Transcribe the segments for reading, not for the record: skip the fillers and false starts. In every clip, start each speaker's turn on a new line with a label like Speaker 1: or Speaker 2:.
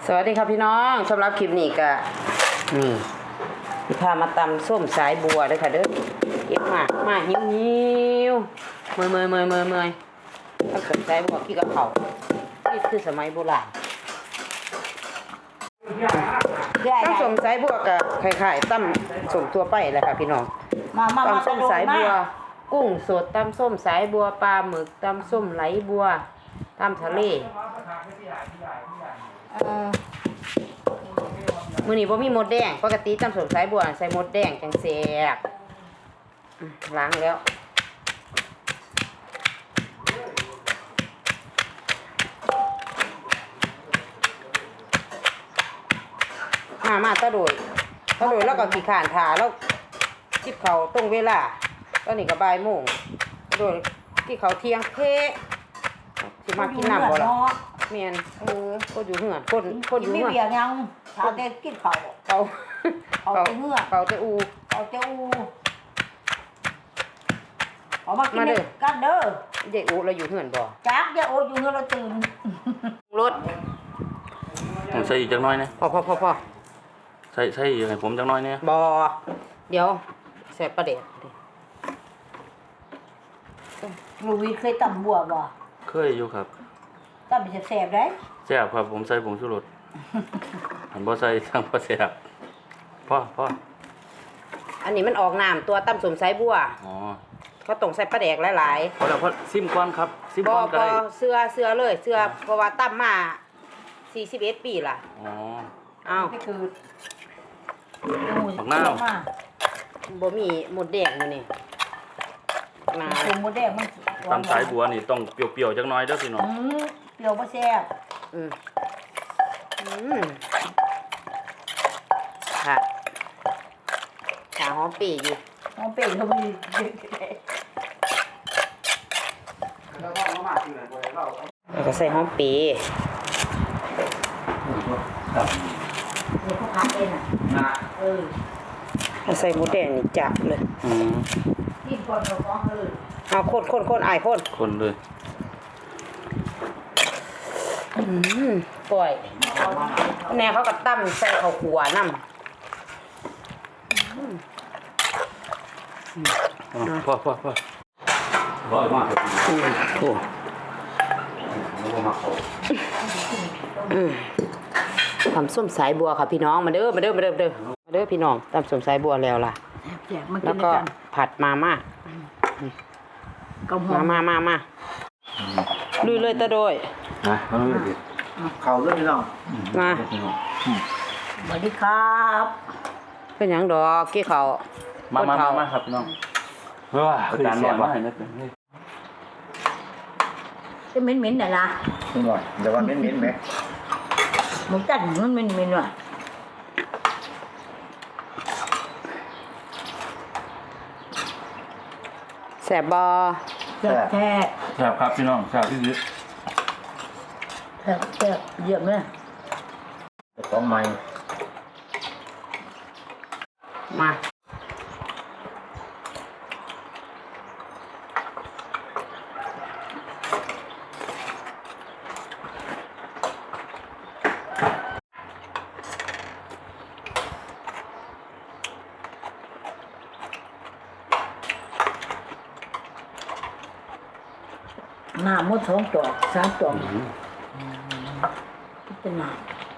Speaker 1: สวัสดีครับพี่น้องสำหรับคลิปนี้ก็นี่พามาตำส้มสายบัวเลยค่ะเด้อเก็บมาหิวเมื่อยถ้าสมสายบัวพี่กับเขานี่คือสมัยโบราณตั้งส้มสายบัวกับไข่ตั้มส้มตัวไปเลยค่ะพี่น้องตั้มส้มสายบัวกุ้งสดตั้มส้มสายบัวปลาหมึกตั้มส้มไหลบัวตั้มทะเลมื้อนี้บ่มีหมดแดงปกติตำส้มสายบัวใส่หมดแดงจังแซ่บล้างแล้วมาตะโดยแล้วก็ขี้ข้านถ่าแล้วจิบเขาตรงเวลาตอนนี้ก็บ่ายโมงตะโดยที่เขาเที่ยงเพสิมากินน้ำบ่ล่ะแม่นก็อยู่เหือนคนอยู่เหือน
Speaker 2: ไม่เบียร์ยังชาแต่กินเขา
Speaker 1: เขา
Speaker 2: เหือ
Speaker 1: เขาจะอู
Speaker 2: เอามากินกันเด้อ
Speaker 1: เด็กอูเราอยู่เหือนบ่
Speaker 2: จักอย่าโออยู่เหือนเราตื่น
Speaker 1: รถ
Speaker 3: ผมใส่อีกจังน้อยนะ
Speaker 1: พอ
Speaker 3: ใส่อีกให้ผมจังน้อยเนี่ย
Speaker 1: บ่เดี๋ยวใส่ประเด็ด
Speaker 2: มูวิเคยตำบัวบ่
Speaker 3: เคยอยู่ครับ
Speaker 2: ตำเป็นแสบได้
Speaker 3: แซ่บครับผมใส่ผงชูรสหันบ่ใส่ทั้งบ่แซ่บพ่อ
Speaker 1: อันนี้มันออกน้ำตัวตำสมสายบัว
Speaker 3: อ๋อ
Speaker 1: เขาต้องใส่ปลาแดกหลาย
Speaker 3: ๆพอแล้วพอซิมก่อนครับซิมก่อนก็ได้
Speaker 1: เสื้อเลยเพราะว่าตำมา41ปีล่ะ
Speaker 3: อ๋อ
Speaker 1: อ้าว
Speaker 2: ก็คือ
Speaker 3: ผักหน้า
Speaker 1: บ่มีหมดแดงมื้อนี้
Speaker 2: มาหมดแดงมัน
Speaker 3: ตำสายบัวนี่ต้องเปรี้ยวๆจังน้อยเด้อพี่น้อง
Speaker 2: เปรี้ยวบ่แซ่บ
Speaker 1: ค่ะขาหอมปีอยู่
Speaker 2: หอมปีเขามี
Speaker 1: แล้วก็ใส่หอมปี
Speaker 2: เนี่ยเขาพักเอง
Speaker 1: ใส่หมูแดงนี่จับเลย
Speaker 2: กินก่อนเราฟ้องเลย
Speaker 1: เอาคนอาย
Speaker 3: คนเลย
Speaker 1: ปล่อยแน่เขาก็ตั้มใส่ข้าวขัวน้ำ
Speaker 3: พ่อร้อยมาก
Speaker 1: โอ้ทำส้มสายบัวค่ะพี่น้องมาเด้อพี่น้องทำส้มสายบัวแล้วล่ะแล้วก็ผัดมาม่าลุยเลยตะโดย
Speaker 2: เขาด้วยพี่น้อง
Speaker 1: มา
Speaker 2: สวัสดีครับ
Speaker 1: เป็นหยังดอกกี้เขา
Speaker 3: มาครับพี่น้องคือการนอนมาให้นิดนึง
Speaker 2: จะเหม็นๆน่ะล่ะ
Speaker 4: หน่อยเดี๋ยวว่าเหม็นไหม
Speaker 2: หมูจัดมันเหม็นว่ะ
Speaker 1: แซ่บบ่
Speaker 2: แซ่
Speaker 3: บครับพี่น้องแซ่บที่สุด
Speaker 2: แซ่บเยี่ยมเลย
Speaker 4: ของใหม่
Speaker 1: มา
Speaker 2: หน้ามด2 จอก 3 จอกเป็นหน้า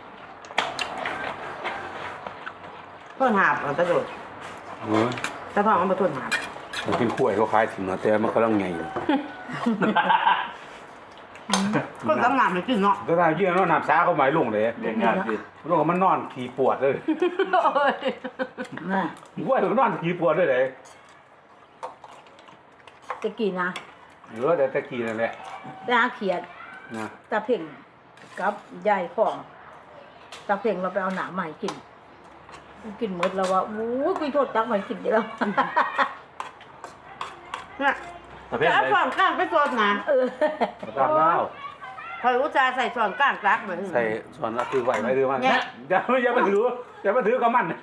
Speaker 1: ต้นหาบตะโดดตะทองเอามาต้นหาบ
Speaker 4: มันเป็นขั้วเขาคล้ายถึงเนาะแต่มันก็ต้องไงอยู่
Speaker 1: ก็ทำงานเลยจริงเนาะ
Speaker 4: ก็ได้ยื่นแล้วน้ำซาเขาหมายลงเลย
Speaker 3: เรียนงานดิ
Speaker 4: ลงมันนอนขี่ปวดเลยขั้วมันนอนขี่ปวดเลยเลย
Speaker 2: ตะกี้นะ
Speaker 4: แต่ตะกี้นั่นแหละ
Speaker 2: ไปหาเขียดตาเพ่งกับยายของตาเพ่งเราไปเอาหนาใหม่กินหมดแล้วว่าโอ้ยคุยโทษตักใหม่กินเยอะ
Speaker 1: เนี่ยแล้วส่วนกลางไปส่วนหนา
Speaker 4: ตามเล่า
Speaker 1: เคยอุตส่าห์ใส่ส่วนกลางรักเหมือน
Speaker 4: ใส่ส่วนละคือไหวไหมหรือมันอย่ามาถือกับมัน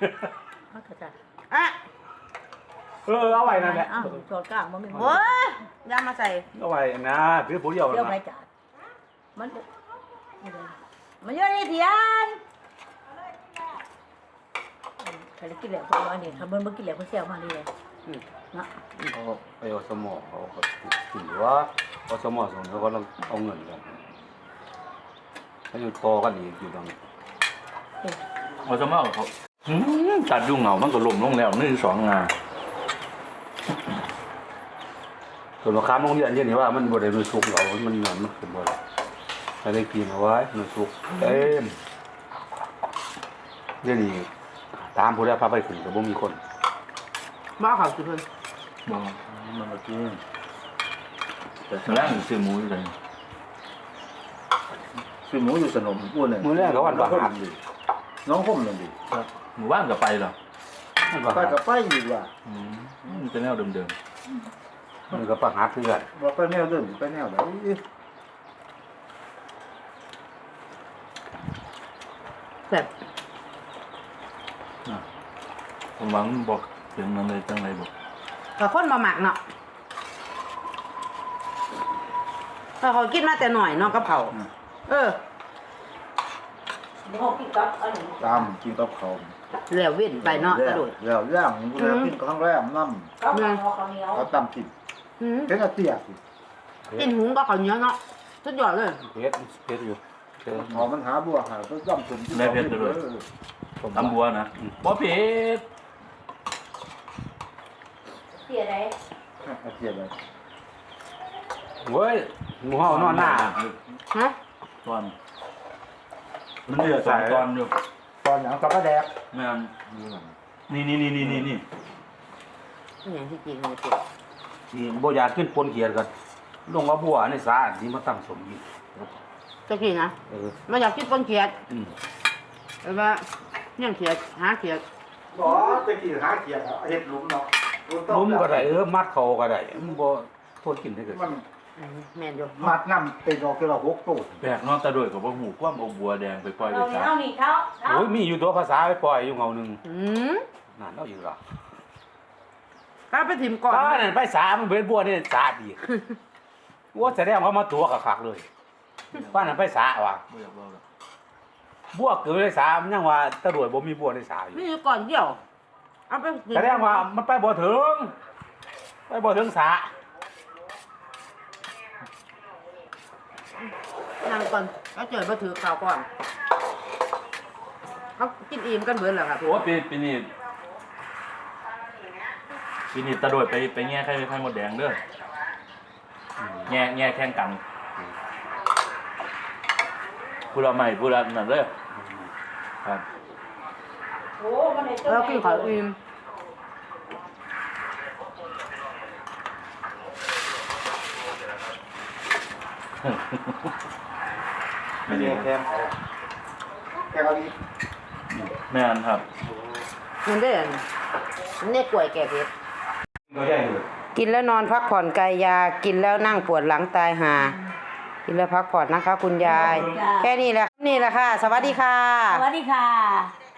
Speaker 4: เอาไว้นั่นแหละ
Speaker 2: ส่วนกลางมันไม่
Speaker 1: โอ้ยย่ามาใส่
Speaker 4: เอาไว้นะถือผู้เดียว
Speaker 2: เดี๋ยวไปจัดมันเยอะเลยเทียนแต่กินแล้วเพราะว่านี่ถ้าเบิ่งบ่กินแล้วเพิ่นสิเอามานี่เลย
Speaker 1: อืม
Speaker 2: เนาะ
Speaker 4: เขาไปอสมเขาก็ถือว่าอสมส่งเขาก็ต้องเอาเงินกันเขาอยู่ต่อกันอีกอยู่ตรงนี้
Speaker 3: เอาซะมาเอาเขาตัดยุ่งเหงามันก็ล่มลงแล้วนี่สองงาน
Speaker 4: ส่วนราคาโรงเรียนเดี๋ยวนี้ว่ามันบ่ได้มันสุกเรามันเงินมันขึ้นบ่ได้ให้ได้กินเอาไว้มันสุกเต็มเดี๋ยวนี้ตามผู้ใดพาไปขึ้นก็บ่มีคน
Speaker 1: บ้าเขาสิเพิ่น
Speaker 3: บ่มันก็กินแต่แรงซื้อหมูอยู่เลย
Speaker 5: ซื้อหมูอยู่สนมอ้วนเลย
Speaker 4: มื้อแรกก็วันประหาร
Speaker 5: น้องคมเลยดิ
Speaker 3: ครับหมู่บ้านก็ไปเหรอ
Speaker 4: มันประ
Speaker 5: ไป
Speaker 4: หาร
Speaker 5: กับไปอยู่ว่ะ
Speaker 3: มันจะแนวเดิม
Speaker 4: มันก็ประหารคือกัน
Speaker 5: ว่าไปแนวเดิมไปแนวไหน
Speaker 1: แบบ
Speaker 3: ๆผมหวังบอกถึงนั้นเลยจังไรบอก
Speaker 1: ก็คนบ่มักเนาะถ้าเขากินมาแต่หน่อยเนาะกับเขาเออเดี๋ยวเขากินกับอันนี้
Speaker 5: ตามกินกับเขา
Speaker 1: แล้วเว้นไปเนาะกระโดด
Speaker 5: แล้วย่างกูแล้วกินครั้งแรกน้
Speaker 2: กับข้าวเหนียว
Speaker 5: ำเขาตำกิน
Speaker 1: อืม
Speaker 5: เป็นอาเตียสิ
Speaker 1: กินหุงก็ข้าวเหนียวเนาะสุดยอดเลย
Speaker 4: เพชรอยู่เจอ
Speaker 5: เขามันหาบัวหาก็ตำตุ่ม
Speaker 3: ตำบัวนะบ่เผ็ด
Speaker 2: เสียได้
Speaker 5: อาเตียเลย
Speaker 4: เว้ยหมูเฮานอนหน้า
Speaker 1: ฮะ
Speaker 3: ตอนมันเหลือสองตอนอยู่
Speaker 5: ตอนอย่างกับกระแดก
Speaker 3: แม่นนี่
Speaker 1: นี่อย่างที่จริงเลยเจ็บ
Speaker 4: นี่บ่อยากขึ้นปนเขียดกันลงว่าบัวในสาอันนี้มาตั้งสมยิง
Speaker 1: จะกินนะ
Speaker 4: เออ
Speaker 1: ไม่อยากกินปนเขียด
Speaker 4: อืม
Speaker 1: แต่ว่าเนี่ยเขียดหาเขียด
Speaker 5: บ่จะกินหาเขียดเห็ดหลุมเนาะ
Speaker 4: ลุมก็ได้มัดเขาก็ได้มันบ่โทษกินได้เกิด
Speaker 5: มัน
Speaker 1: แม่นอยู่
Speaker 5: มัดน้ำเป็นดอกกระหกตัว
Speaker 3: แปลกเนอกตะโดยกับว่าหูกว้ามเอาบัวแดงไปปล่อยไป
Speaker 2: เอา
Speaker 3: จ้า
Speaker 2: เอานี่เขา
Speaker 4: โอ้ยมีอยู่ตัวภาษาไปปล่อยอยู่เงาหนึง
Speaker 1: อืม
Speaker 4: นั่นเอาอยู่ล่ะ
Speaker 1: ก็ไปถิ่มก่อน
Speaker 4: ก็นั่นไปสามันเป็นบัวนี่สาอีกว่าแสดงว่ามาตัวคักๆเลยป้านั่นไปสาว่ะ
Speaker 3: บ่อยากบอกหรอก
Speaker 4: บัวเกิดในสามันยังว่าตะรวยบ่มีบัวในสาอยู่
Speaker 1: นี่อยู่ก่อนเดียวเอาไปกิน
Speaker 4: แสดงว่ามันไปบ่ถึงไปบ่ถึงสา
Speaker 1: นั่งก่อนแล้วเจอมาถือข่าวก่อนเขากินอิ่มกันเบิดแล้วครับ
Speaker 3: โอ้ปีนี้ตะโดยไปแง่ไข่มดแดงเด้อแง่แข่งกันผู้ละใหม่ผู้ละนั่นเด้อครับ
Speaker 2: โอ้มันได้
Speaker 1: แล้วกินข้าวอิ่ม
Speaker 3: ไม่ได้
Speaker 5: แค่แค่เอาดี
Speaker 3: แม่นครับ
Speaker 1: มันได้อันนี่กล้วยแก่เพชร
Speaker 4: ก็ได้อยู่
Speaker 1: กินแล้วนอนพักผ่อนกายยากินแล้วนั่งปวดหลังตายหากินแล้วพักผ่อนนะคะ คุณยาย แค่นี้แหละค่ะ สวัสดีค่ะ
Speaker 2: สวัสดีค่ะ